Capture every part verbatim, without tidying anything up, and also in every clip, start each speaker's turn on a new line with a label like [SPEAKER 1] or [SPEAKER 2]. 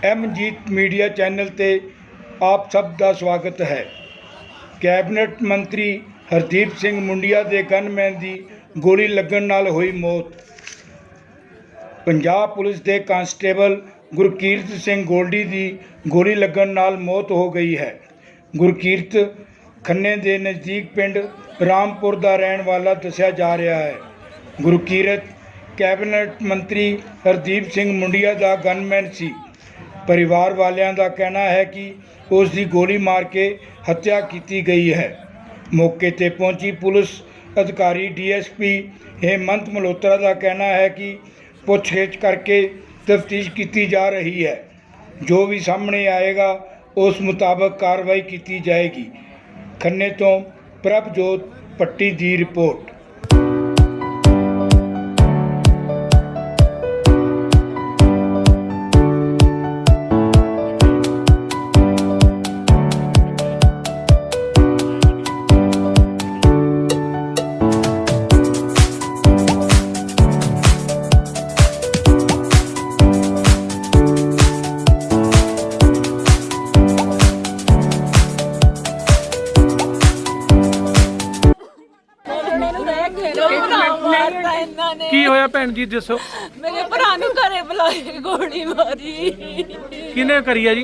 [SPEAKER 1] एमजीत media channel ते आप सब का स्वागत है। कैबिनेट मंत्री हरदीप सिंह मुंडिया के गनमैन की गोली लगन नाल हुई मौत। पंजाब पुलिस के कांस्टेबल गुरकीरत सिंह गोल्डी की गोली लगन नाल मौत हो गई है। गुरकीरत खन्ने के नज़दीक पिंड रामपुर का रहने वाला दस्या जा रहा है। गुरकीरत कैबिनेट मंत्री हरदीप सिंह मुंडिया का गनमैन सी। परिवार वालियां का कहना है कि उसकी गोली मार के हत्या की गई है। मौके पर पहुंची पुलिस अधिकारी डीएसपी हेमंत मल्होत्रा का कहना है कि पुछगिछ करके तफ्तीश की जा रही है। जो भी सामने आएगा उस मुताबिक कार्रवाई की जाएगी। खन्ने तो प्रभजोत पट्टी की रिपोर्ट।
[SPEAKER 2] की होया भैन जी दसो।
[SPEAKER 3] मेरे भरा नूं घरे बुलाए गोली मारी।
[SPEAKER 2] किने करी है जी?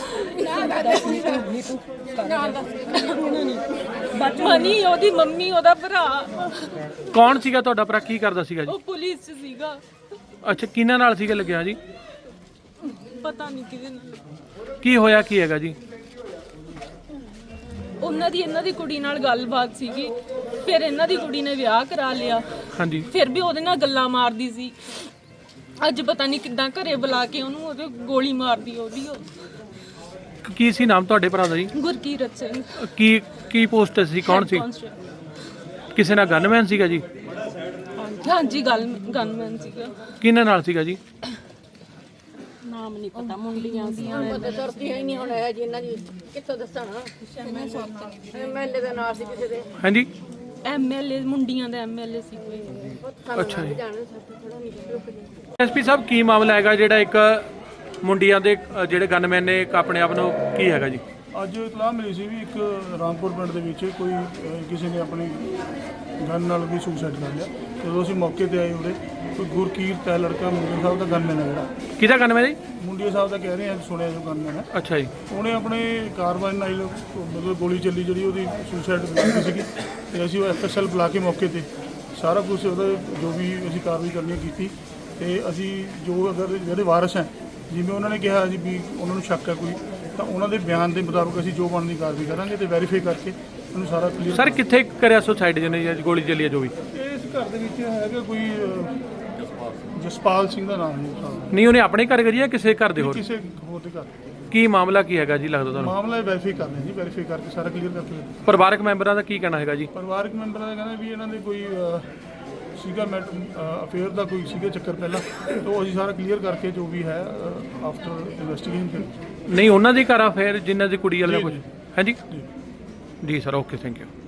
[SPEAKER 3] मनी ओदी मम्मी ओदा भरा।
[SPEAKER 2] कौन सीगा तुहाडा भरा, की करदा सीगा जी?
[SPEAKER 3] ओ पुलिस च सीगा।
[SPEAKER 2] अच्छा, किन्ना नाल सीगा लगਿਆ जी?
[SPEAKER 3] पता नहीं किदे नाल।
[SPEAKER 2] की होया की हैगा जी?
[SPEAKER 3] ਉਹਨਾਂ ਦੀ ਇਹਨਾਂ ਦੀ ਕੁੜੀ ਨਾਲ ਗੱਲਬਾਤ ਸੀਗੀ। ਫਿਰ ਇਹਨਾਂ ਦੀ ਕੁੜੀ ਨੇ ਵਿਆਹ ਕਰਾ ਲਿਆ।
[SPEAKER 2] ਹਾਂਜੀ।
[SPEAKER 3] ਫਿਰ ਵੀ ਉਹਦੇ ਨਾਲ ਗੱਲਾਂ ਮਾਰਦੀ ਸੀ। ਅੱਜ ਪਤਾ ਨਹੀਂ ਕਿੱਦਾਂ ਘਰੇ ਬੁਲਾ ਕੇ ਉਹਨੂੰ ਉਹਦੇ ਗੋਲੀ ਮਾਰਦੀ ਉਹਦੀ।
[SPEAKER 2] ਕੀ ਸੀ ਨਾਮ ਤੁਹਾਡੇ ਭਰਾ ਦਾ ਜੀ?
[SPEAKER 3] ਗੁਰਕੀਰਤ ਸਿੰਘ।
[SPEAKER 2] ਕੀ ਕੀ ਪੋਸਟ ਸੀ, ਕੌਣ ਸੀ? ਕਿਸੇ ਨਾਲ ਗਨਮੈਨ ਸੀਗਾ ਜੀ?
[SPEAKER 3] ਹਾਂਜੀ, ਗੱਲ ਗਨਮੈਨ ਸੀਗਾ।
[SPEAKER 2] ਕਿਹਨਾਂ ਨਾਲ ਸੀਗਾ ਜੀ?
[SPEAKER 3] ਨਾਮ ਨਹੀਂ ਪਤਾ, ਮੁੰਡੀਆਂ ਸੀਆਂ।
[SPEAKER 4] ਪਤਾ ਤੁਰਦੀ ਹੀ ਨਹੀਂ ਹੁਣ ਇਹ ਜੀ ਇਹਨਾਂ ਦੀ ਕਿੱਥੋਂ ਦੱਸਣਾ। ਐਮਐਲਏ ਦਾ ਨਾਂ ਸੀ ਕਿਸੇ ਦੇ।
[SPEAKER 2] ਹਾਂਜੀ,
[SPEAKER 3] ਐਮਐਲਏ ਮੁੰਡੀਆਂ ਦਾ ਐਮਐਲਏ ਸੀ ਕੋਈ।
[SPEAKER 2] ਅੱਛਾ ਜੀ।
[SPEAKER 4] ਜਾਣਦੇ ਸਾਡੇ ਥੋੜਾ ਨਹੀਂ ਰੁਕ ਜੀ।
[SPEAKER 2] ਐਸਪੀ ਸਾਹਿਬ, ਕੀ ਮਾਮਲਾ ਹੈਗਾ ਜਿਹੜਾ ਇੱਕ ਮੁੰਡਿਆਂ ਦੇ ਅ, ਜਿਹੜੇ ਗਨਮੈਨ ਨੇ ਇੱਕ ਆਪਣੇ ਆਪ ਨੂੰ ਕੀ ਹੈਗਾ ਜੀ?
[SPEAKER 5] ਅੱਜ ਇਤਲਾਹ ਮਿਲੀ ਸੀ ਵੀ ਇੱਕ ਰਾਮਪੁਰ ਪਿੰਡ ਦੇ ਵਿੱਚ ਕੋਈ ਅਹ, ਕਿਸੇ ਨੇ ਆਪਣੀ ਗਨ ਨਾਲ ਵੀ ਸੁਸਾਈਡ ਕਰ ਲਿਆ। ਜਦੋਂ ਅਸੀਂ ਮੌਕੇ ਤੇ ਆਏ ਉਰੇ ਕੋਈ ਗੁਰਕੀਰਤ ਹੈ ਲੜਕਾ, ਮੁੰਡੇ ਸਾਹਿਬ ਦਾ ਗਨਮੈਨ ਹੈ ਜਿਹੜਾ।
[SPEAKER 2] ਕਿਹਦਾ ਗਨਮੈਨ ਜੀ?
[SPEAKER 5] ਮੁੰਡੇ ਸਾਹਿਬ ਦਾ ਕਹਿ ਰਹੇ ਆ, ਸੁਣਿਆ ਜੋ ਗਨਮੈਨ ਹੈ।
[SPEAKER 2] ਅੱਛਾ ਜੀ।
[SPEAKER 5] ਉਹਨੇ ਆਪਣੇ ਕਾਰਵਾਈ ਨਾਲ ਮਤਲਬ ਗੋਲੀ ਚੱਲੀ ਜਿਹੜੀ ਉਹਦੀ ਸੁਸਾਈਡ ਕੀਤੀ ਸੀਗੀ ਤੇ ਅਸੀਂ ਉਹ ਐਫਐਸਐਲ ਬੁਲਾ ਕੇ ਮੌਕੇ ਤੇ ਸਾਰਾ ਕੁਝ ਉਹਦਾ ਜੋ ਵੀ ਅਸੀਂ ਕਾਰਵਾਈ ਕਰਨੀ ਕੀਤੀ ਤੇ ਅਸੀਂ ਜੋ ਅਗਰ ਜਿਹੜੇ ਵਾਰਸ ਹੈ ਜਿਵੇਂ ਉਹਨਾਂ ਨੇ ਕਿਹਾ ਜੀ ਵੀ ਉਹਨਾਂ ਨੂੰ ਸ਼ੱਕ ਹੈ ਕੋਈ, ਤਾਂ ਉਹਨਾਂ ਦੇ ਬਿਆਨ ਦੇ ਮੁਤਾਬਕ ਅਸੀਂ ਜੋ ਬਣਦੀ ਕਾਰਵਾਈ ਕਰਾਂਗੇ ਤੇ ਵੈਰੀਫਾਈ ਕਰਕੇ ਉਹਨੂੰ ਸਾਰਾ ਕਲੀਅਰ।
[SPEAKER 2] ਸਰ, ਕਿੱਥੇ ਕਰਿਆ ਸੁਸਾਈਡ ਜਿਹਨੇ ਜੀ ਗੋਲੀ ਚੱਲੀ ਹੈ ਜੋ ਵੀ?
[SPEAKER 5] ਇਸ ਘਰ ਦੇ ਵਿੱਚ ਹੈਗਾ ਕੋਈ ਅਹ, ਜਸਪਾਲ ਸਿੰਘ ਦਾ ਨਾਮ ਨਹੀਂ ਸਾਹਿਬ।
[SPEAKER 2] ਨਹੀਂ, ਉਹਨੇ ਆਪਣੇ ਘਰ ਕਰੀ ਜਾਂ ਕਿਸੇ ਘਰ ਦੇ ਹੋਰ?
[SPEAKER 5] ਕਿਸੇ ਹੋਰ ਦੇ ਘਰ।
[SPEAKER 2] ਕੀ ਮਾਮਲਾ ਕੀ ਹੈਗਾ ਜੀ ਲੱਗਦਾ ਤੁਹਾਨੂੰ?
[SPEAKER 5] ਮਾਮਲਾ ਵੈਰੀਫਾਈ ਕਰਨਾ ਜੀ, ਵੈਰੀਫਾਈ ਕਰਕੇ ਸਾਰਾ ਕਲੀਅਰ ਕਰਕੇ।
[SPEAKER 2] ਪਰਿਵਾਰਕ ਮੈਂਬਰਾਂ ਦਾ ਕੀ ਕਹਿਣਾ ਹੈਗਾ ਜੀ?
[SPEAKER 5] ਪਰਿਵਾਰਕ ਮੈਂਬਰਾਂ ਦਾ ਕਹਿੰਦਾ ਵੀ ਇਹਨਾਂ ਦੇ ਕੋਈ ਅਹ, ਸੀਗਾ ਮੈਟ ਅਫੇਅਰ ਦਾ ਕੋਈ ਸੀਗਾ ਚੱਕਰ ਪਹਿਲਾਂ, ਤੋਂ ਅਸੀਂ ਸਾਰਾ ਕਲੀਅਰ ਕਰਕੇ ਜੋ ਵੀ ਹੈ ਆਫਟਰ ਇਨਵੈਸਟੀਗੇਸ਼ਨ।
[SPEAKER 2] ਨਹੀਂ, ਉਹਨਾਂ ਦੀ ਘਰ ਆ ਫਿਰ ਜਿਨ੍ਹਾਂ ਦੀ ਕੁੜੀ ਵਾਲਾ
[SPEAKER 5] ਜੀ,
[SPEAKER 2] ਕੁਝ।
[SPEAKER 5] ਜੀ।
[SPEAKER 2] ਹਾਂਜੀ
[SPEAKER 5] ਜੀ
[SPEAKER 2] ਜੀ ਸਰ, ਓਕੇ, ਥੈਂਕ ਯੂ।